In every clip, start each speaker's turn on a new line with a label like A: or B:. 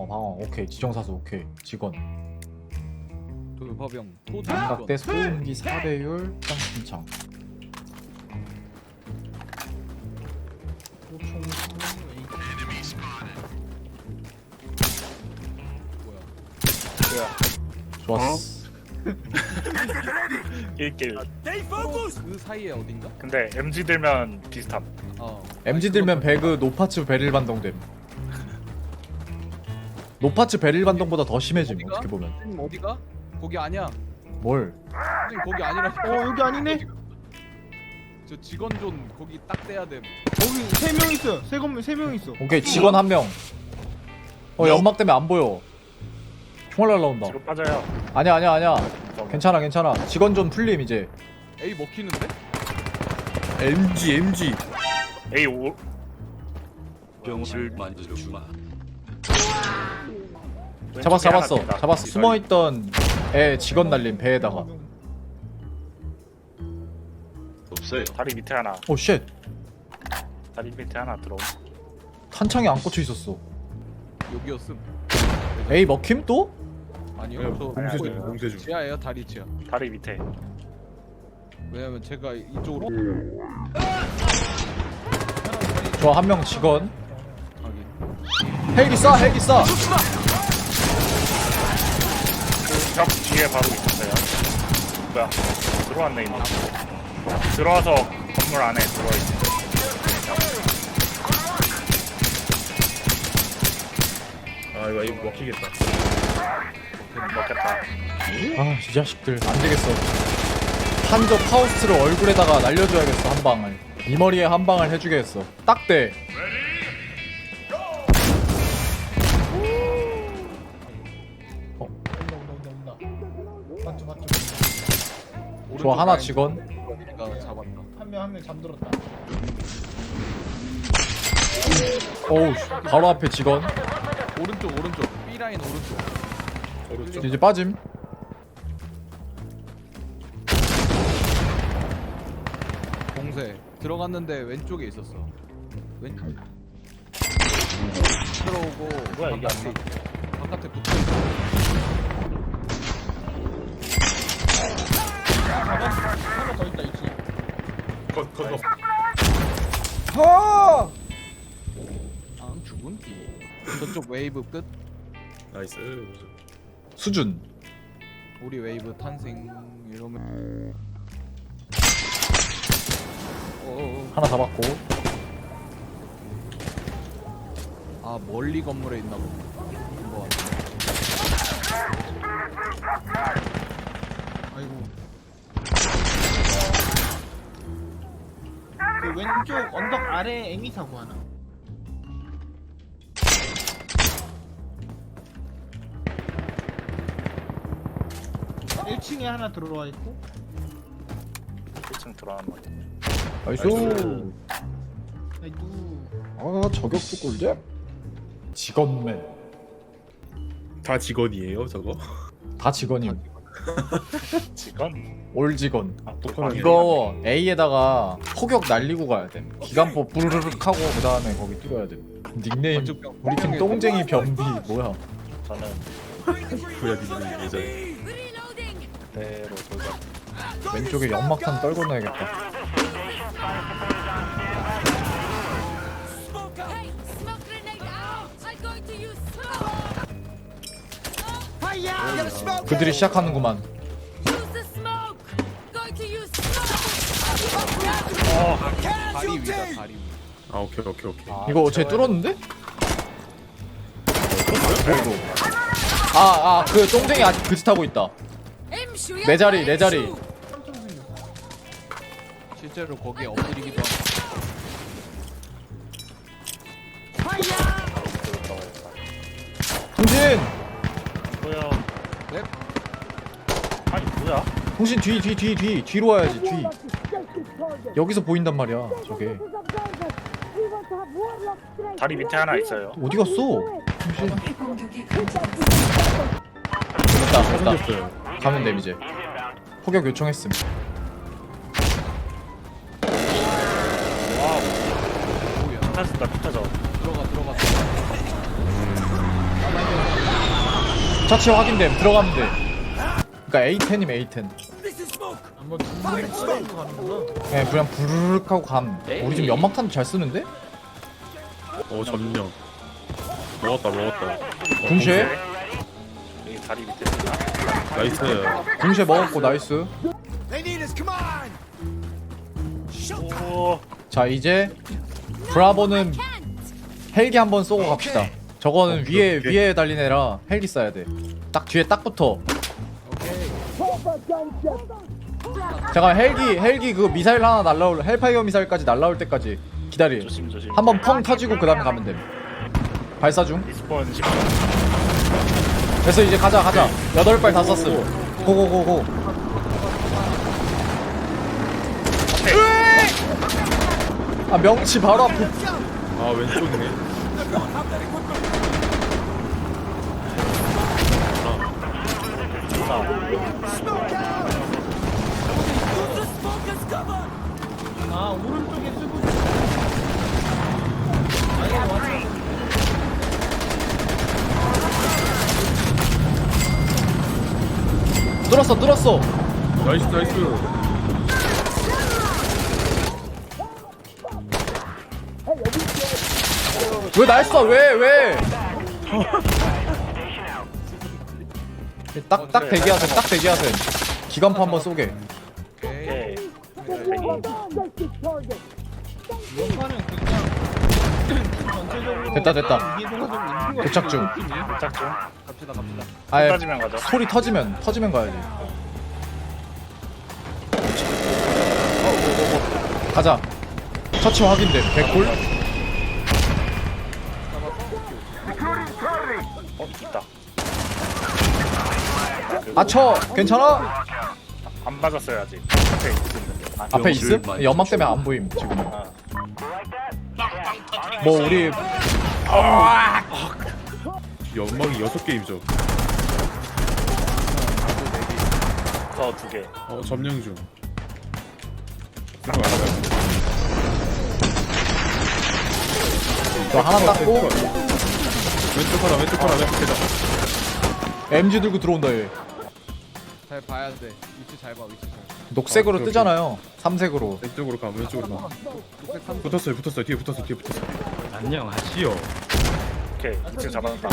A: 방어. 오케이. 지정사수 오케이. 직원.
B: 돌파병 토지
A: 양각대 소음기 4배율 평신창.
B: 뭐야?
A: 좋았어.
C: 1길.
B: 그 사이에 어딘가?
C: 근데 MG 들면 비슷함.
A: MG 들면 배그 노파츠 베릴 반동됨. 노파츠 베릴 반동보다 더 심해짐.
B: 어디가?
A: 어떻게 보면.
B: 선생님 어디가? 거기 아니야.
A: 뭘?
B: 선생님 거기 아니라니까.
D: 여기 아니네.
B: 저 직원존 거기 딱 떼야 돼.
D: 거기 3명 있어. 세 명 있어.
A: 오케이. 직원 한 명. 연막 때문에 안 보여. 총알 날라온다.
C: 뒤로 빠져요.
A: 아니야. 괜찮아. 직원 좀 풀림 이제.
B: A 먹히는데?
E: MG
C: A 오.
E: 병실 만들어 주마.
A: 잡았어. 숨어있던 애 직원 날림 배에다가.
E: 없어요.
C: 다리 밑에 하나.
A: 오 쉣.
C: 다리 밑에 하나 들어.
A: 탄창이 안 꽂혀 있었어.
B: 여기였음.
A: 에이 먹힘 또?
B: 아니요.
E: 네,
B: 저
C: 봉쇄 중,
E: 봉쇄 중.
B: 지하예요. 다리 지하.
C: 다리 밑에.
B: 왜냐면 제가 이쪽으로
A: 좋아 한 명 직원.
B: 가기.
A: 헬기 쏴.
C: 벽 뒤에 바로 있었어요. 뭐야? 들어왔네 이미. 들어와서 건물 안에 들어와 있어.
E: 아 이거 먹히겠다.
C: 먹겠다.
A: 아, 이 자식들 안 되겠어. 한적 파우스트를 얼굴에다가 날려줘야겠어 한 방을. 이 머리에 한 방을 해주겠어. 딱 돼.
D: 맞죠.
A: 좋아 하나 직원.
B: 내가 잡았다.
D: 한 명 잠들었다.
A: 어우 바로 앞에 직원.
B: 오른쪽 B 라인 오른쪽.
A: 이제 빠짐.
B: 공세 들어갔는데 왼쪽에 있었어. 왼 들어오고
C: 뭐야, 이게 안
B: 바깥에 붙어 있어.
D: 하나 더 있다 있지.
E: 컷.
B: 안 죽은 뒤. 저쪽 웨이브 끝.
E: 나이스.
A: 수준.
B: 우리 웨이브 탄생 이러면.
A: 하나 잡았고.
B: 아 멀리 건물에 있나 보네. 한번.
D: 아이고. 그 왼쪽 언덕 아래 에미 사고 하나. 아, 1층에 하나 들어와 있고.
C: 1층 들어가는 거.
A: 나이스.
D: 아이고.
A: 아 저격수 꿀잼. 직원맨.
E: 다 직원이에요 저거?
A: 다 직원임.
C: 직원?
A: 올 직원.
E: 똑같네.
A: 이거 A에다가 포격 날리고 가야 돼. 기관포 부르륵 하고 그 다음에 거기 뚫어야 돼. 닉네임 우리 팀 똥쟁이 변비 뭐야?
C: 저는
E: 구약이는 예전에.
C: 그대로 돌자.
A: 왼쪽에 연막탄 떨고 놔야겠다.
F: Hey, smoke grenade out! I'm going to use smoke!
A: 그들이 시작하는구만.
F: Use the smoke! Going to use smoke!
B: 다리 위다 다리 위.
E: 아 오케이.
A: 이거 어째 뚫었는데? 그 똥쟁이 아직 그짓 하고 있다. 내 자리.
B: 실제로 거기에 엎드리기도 하고.
A: 통신!
C: 뭐야?
B: 네?
C: 아니 뭐야?
A: 통신 뒤로 와야지 뒤. 여기서 보인단 말이야 저게.
C: 다리 밑에 하나 있어요.
A: 어디 갔어? 통신. 됐다. 가면 됨 이제. 포격 요청했음.
B: 오야.
C: 붙었다.
B: 들어가.
A: 처치 확인됨. 들어가면 돼. 그러니까 A10이면 A10.
D: 한번 두번 쏘고 가는구나.
A: 네, 그냥 부르륵 하고 감. 우리 지금 연막탄도 잘 쓰는데?
E: 점령. 먹었다.
A: 궁시에?
C: 여기 다리 밑에.
E: 나이스.
A: 궁시에 먹었고 나이스.
C: 오.
A: 자 이제 브라보는 헬기 한번 쏘고 갑시다. 저거는 위에 달린 애라 헬기 쏴야 돼. 딱 뒤에 딱 붙어. 잠깐 헬기 그 미사일 하나 날라올 헬파이어 미사일까지 날라올 때까지 기다리.
C: 조심.
A: 한번 펑 터지고 그 다음에 가면 돼. 발사 중.
C: 리스폰 10초.
A: 그래서 이제 가자 8발 다 쐈어. 고고고고. 아 명치 바로 앞에.
E: 아 왼쪽이네.
D: 아 오른쪽에 쓰고
A: 뚫었어.
E: 나이스.
A: 왜 날 쏴? 왜? 딱 대기하세요. 기관포 한번 쏘게.
C: 오케이.
D: 연판은 그냥 전체적으로
A: 됐다.
D: 이해동화적으로
A: 도착 중.
C: 짝 중.
B: 갑시다.
A: 아예
C: 터지면 가자.
A: 소리 터지면 가야지. 가자. 처치 확인됨. 개꿀.
C: 있다.
A: 아쳐. 괜찮아?
C: 안 맞았어요 아직. 앞에 있는데.
A: 앞에 있음? 연막 때문에 안 보임 지금.
C: 아.
A: 뭐 우리
E: 연막이 6개임죠.
C: 더 2개.
E: 점령 중. 들어가요.
A: 저 하나 땄고
E: 왼쪽 하나.
A: MG 들고 들어온다 얘.
B: 잘 봐야 돼. 위치 잘 봐.
A: 녹색으로
E: 오케이.
A: 뜨잖아요. 삼색으로.
E: 왼쪽으로 가.
B: 녹색 3.
E: 붙었어요. 뒤에 붙었어. 안녕하시오.
C: 오케이. 2층 잡아놨다.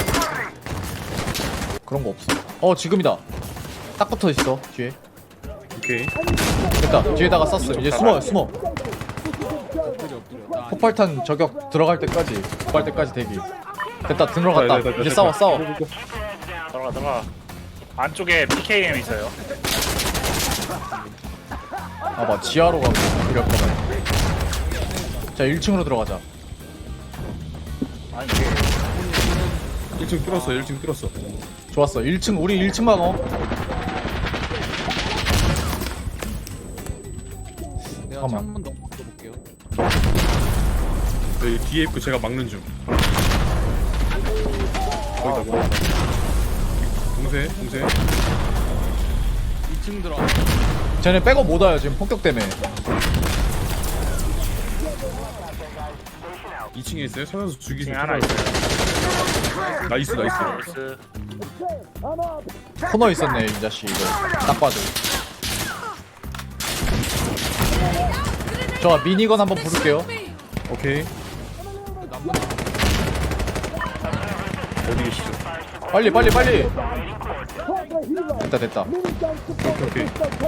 A: 그런 거 없어. 지금이다. 딱 붙어 있어 뒤에.
E: 오케이.
A: 됐다. 뒤에다가 쐈어. 이제 숨어.
B: 엎드려.
A: 폭발탄 저격 들어갈 때까지 대기. 됐다. 들어갔다. 이제 싸워.
C: 들어가. 안쪽에 PKM 있어요.
A: 아봐 지하로 가고 그렸거든. 자 1층으로 들어가자.
C: 아니 이게
E: 1층 뚫었어.
A: 좋았어. 1층 우리 1층 막어.
B: 내가
A: 잠깐만.
B: 창문 넘어 볼게요.
E: 여기 뒤에 있고 제가 막는 중. 거기다. 동세.
B: 2층 들어.
A: 쟤네 백업 못 와요 지금 폭격 때문에.
E: 2층에 있어요. 서면서 죽이세요.
C: 2층에 하나 있어요.
E: 나이스.
C: 나이스.
A: 코너 있었네 이 자식 이거. 딱 봐도. 저 미니건 한번 부를게요.
E: 오케이. 어디 계시죠?
A: 빨리. 됐다.
E: 오케이.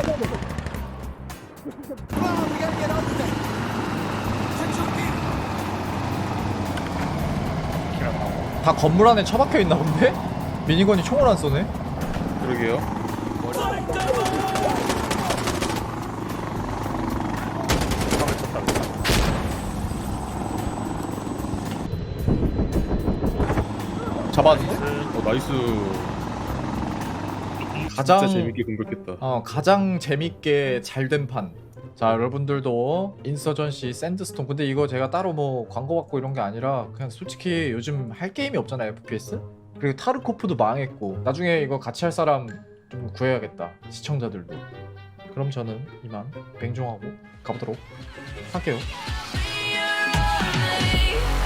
A: 다 건물 안에 처박혀 있나 본데? 미니건이 총을 안 쏘네.
E: 그러게요.
A: 잡았는데?
E: 나이스.
A: 가장
E: 진짜 재밌게 공격했다.
A: 가장 재밌게 잘 된 판. 자 여러분들도 인서전시 샌드스톤. 근데 이거 제가 따로 뭐 광고 받고 이런 게 아니라 그냥 솔직히 요즘 할 게임이 없잖아요 FPS. 그리고 타르코프도 망했고 나중에 이거 같이 할 사람 좀 구해야겠다 시청자들도. 그럼 저는 이만 뱅종하고 가보도록 할게요.